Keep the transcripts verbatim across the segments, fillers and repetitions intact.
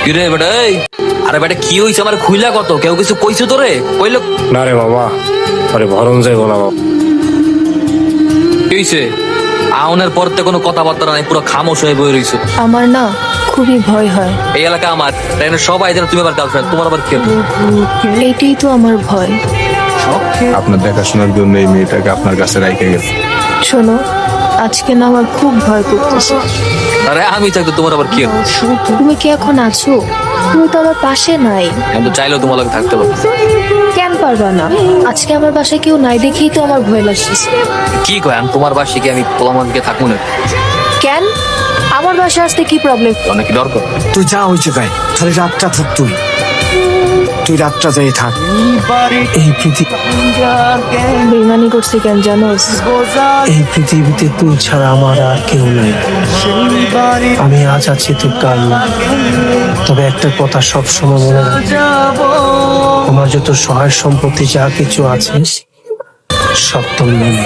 কিরে বেটা এই আরে বেটা কি হইছে আমার খুইলা কত কেউ কিছু কইছো তোরে কইলো না রে বাবা, আরে ভরণ যাইব না বাবা। কি হইছে আউনের পর তো কোনো কথাবার্তা নাই, পুরো খামোশ হয়ে বই রইছো। আমার না খুবই ভয় হয়। এই এলাকা আমার তাই না, সবাই জানে তুমি আবার গার্লফ্রেন্ড, তোমার আবার কে? এইটাই তো আমার ভয়। আপনার দেখাশোনার জন্য এই মেয়েটাকে আপনার কাছে রাইখে গেছে। শোনো, আজকে না আমার খুব ভয় করতেছে। আরে আমি থাকতে তোমার আবার কে? তুমি কি এখন আছো? তুমি তো আমার পাশে নাই। আমি তো চাইলেও তোমার লগে থাকতে পারবো। কেন পারবা না? আজকে আমার বাসায় কেউ নাই দেখেই তো আমার ভয় লাগছে। কি কয় আমি তোমার বাসে কি আমি পোলামানকে থাকবো না? কেন? আমার বাসায় আসতে কি প্রবলেম? অনেক ডর কর। তুই যা হয়েছে তাই, খালি রাতটা থাক, তুই তুই রাতটা যাই থাক। এই পৃথিবী বেইমানি করছে কেন জানোস? এই পৃথিবীতে তুই ছাড়া আমার আর কেউ নেই। আমি আজ আছি তুই কাল না। তবে একটা কথা সব সময় মনে রাখ, আমার যত সহায় সম্পত্তি যা কিছু আছে সব তোর মনে।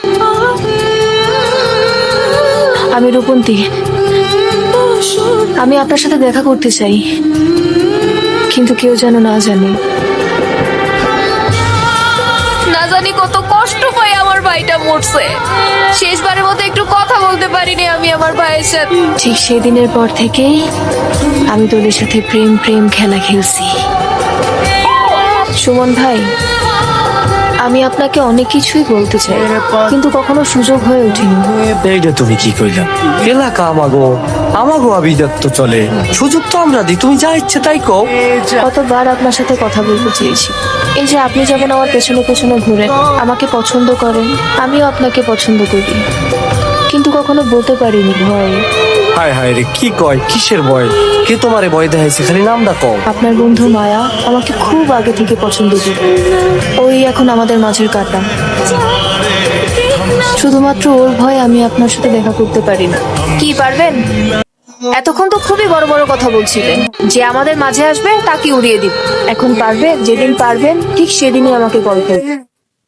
আমি রূপন্তী, আমি আপনার সাথে দেখা করতে চাই, কিন্তু কেউ যেন না জানে। না জানি কত কষ্ট পাই আমার ভাইটা মরছে। শেষবারের মতো একটু কথা বলতে পারিনি আমি আমার ভাইয়ের সাথে। ঠিক সেদিনের পর থেকেই আমি তোদের সাথে প্রেম প্রেম খেলা খেলছি। সুমন ভাই, আমি আপনাকে অনেক কিছুই বলতে চাই, কিন্তু কখনো সুযোগ হয়ে ওঠেনি। এইটা তুমি কি কইলা? এলাকা আমাগো আমাগো আবিদাত্ত চলে, সুযোগ তো আমরা দিই, তুমি যা ইচ্ছে তাই কও। কতবার আপনার সাথে কথা বলতে চেয়েছি। এই যে আপনি যেমন আমার পেছনে পেছনে ঘুরেন, আমাকে পছন্দ করেন, আমিও আপনাকে পছন্দ করি, কিন্তু কখনো বলতে পারিনি ভয়। হায় হায় রে, কি কয়, কিসের ভয়? কে তোমারে ভয় দেখাইছে? খালি নামটা কও। আপনার বন্ধু মায়া আমাকে খুব আগে থেকে পছন্দ করে। ওই এখন আমাদের মাঝের কাটা। শুধুমাত্র ওর ভয় আমি আপনার সাথে দেখা করতে পারি না। কি পারবেন? এতক্ষণ তো খুবই বড় বড় কথা বলছিলেন যে আমাদের মাঝে আসবে তাকে উড়িয়ে দিব। এখন পারবেন? যেদিন পারবেন ঠিক সেদিনই আমাকে কল করবেন।